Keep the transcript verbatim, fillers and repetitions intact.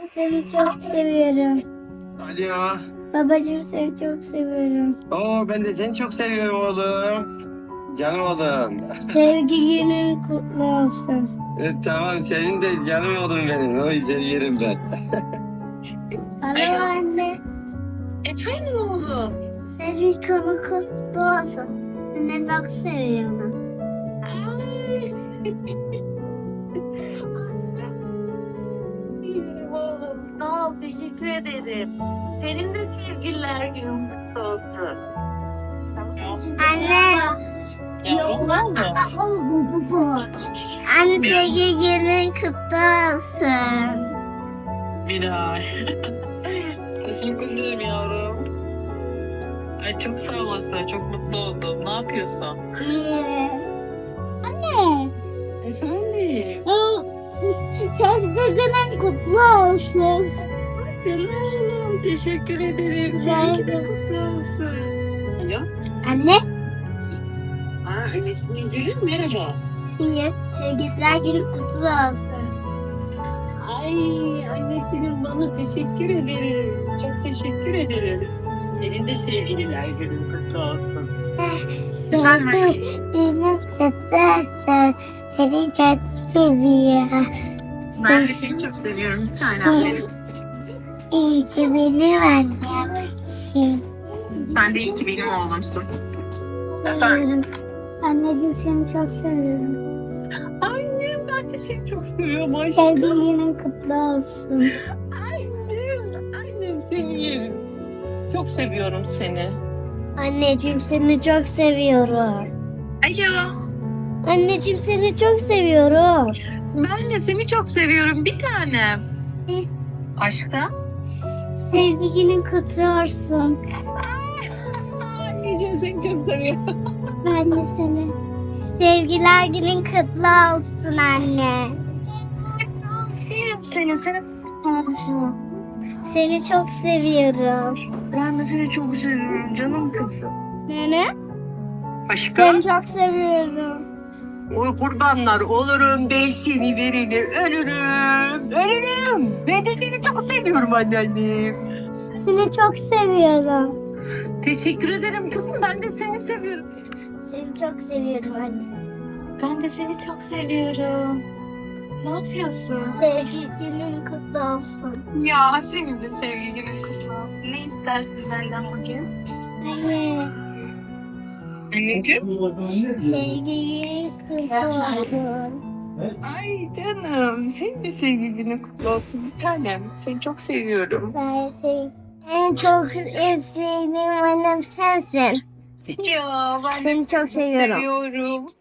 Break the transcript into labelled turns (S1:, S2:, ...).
S1: seni çok seviyorum.
S2: Alo.
S1: Babacığım seni çok seviyorum.
S2: Oo, ben de seni çok seviyorum oğlum. Canım oğlum.
S1: Sevgi günün kutlu olsun.
S2: E, tamam, senin de canım oğlum benim. O yüzden yerim ben.
S1: Alo anne.
S3: Efendim oğlum?
S1: Sevgi günün kutlu olsun. Seni çok seviyorum.
S3: Ay. İyiyim oğlum. Sağ ol. Teşekkür ederim. Senin de sevgililer günün kutlu olsun.
S1: Anne.
S3: Yavrum var mı?
S1: Anne sevgi günün kutlu olsun.
S3: Miray. Teşekkür ederim yavrum. Ay çok sağ olasın. Çok mutlu oldum. Ne yapıyorsun?
S1: İyi. Anne.
S3: Efendim?
S1: Sevgi günün kutlu olsun.
S3: Canım oğlum. Teşekkür ederim. Seninki de kutlu olsun. Alo?
S1: Anne.
S3: Aa, annesinin gülü merhaba.
S1: İyi. Sevgililer günün kutlu olsun.
S3: Ay annesinin bana teşekkür ederim. Çok teşekkür ederim. Senin de sevgililer günün kutlu olsun.
S1: Sevgi günün kutlu olsun. Seni çok seviyorum.
S3: Ben de seni çok seviyorum. Bir tanem benim.
S1: İyi ki benim annemsin.
S3: Sen de iyi ki benim oğlumsun.
S1: Seviyorum. Anneciğim seni çok seviyorum.
S3: Annem ben de seni çok seviyorum aşkım.
S1: Sevgi günün kutlu olsun.
S3: Annem, annem seni yerim. Çok seviyorum seni.
S1: Anneciğim seni çok seviyorum.
S3: Alo.
S1: Anneciğim seni çok seviyorum.
S3: Ben de seni çok seviyorum bir tanem. Aşkım.
S1: Sevgi günün kutlu olsun.
S3: Anneciğim seni çok seviyorum.
S1: Ben de seni. Sevgiler günün kutlu olsun anne.
S3: Seni seni kutlu olsun.
S1: Seni çok seviyorum.
S3: Ben de seni çok seviyorum canım kızım.
S1: Nene?
S3: Aşkım.
S1: Seni çok seviyorum.
S3: Oy kurbanlar olurum ben seni vereni ölürüm. Ölürüm. Ben de seni çok seviyorum anneannem.
S1: Seni çok seviyorum.
S3: Teşekkür ederim kızım. Ben de seni seviyorum.
S1: Seni çok seviyorum anne.
S3: Ben de seni çok seviyorum. Ne yapıyorsun?
S1: Sevgi günün kutlu olsun.
S3: Ya senin de sevgi günün kutlu olsun. Ne istersin benden bugün?
S1: Anne.
S3: Anneciğim.
S1: Sevgi günün kutlu olsun.
S3: Ay canım. Senin de sevgi günün kutlu olsun bir tanem. Seni çok seviyorum.
S1: Ben seni en çok sevdiğim annem sensin.
S3: Ya ben de
S1: Seni çok seviyorum.
S3: seviyorum.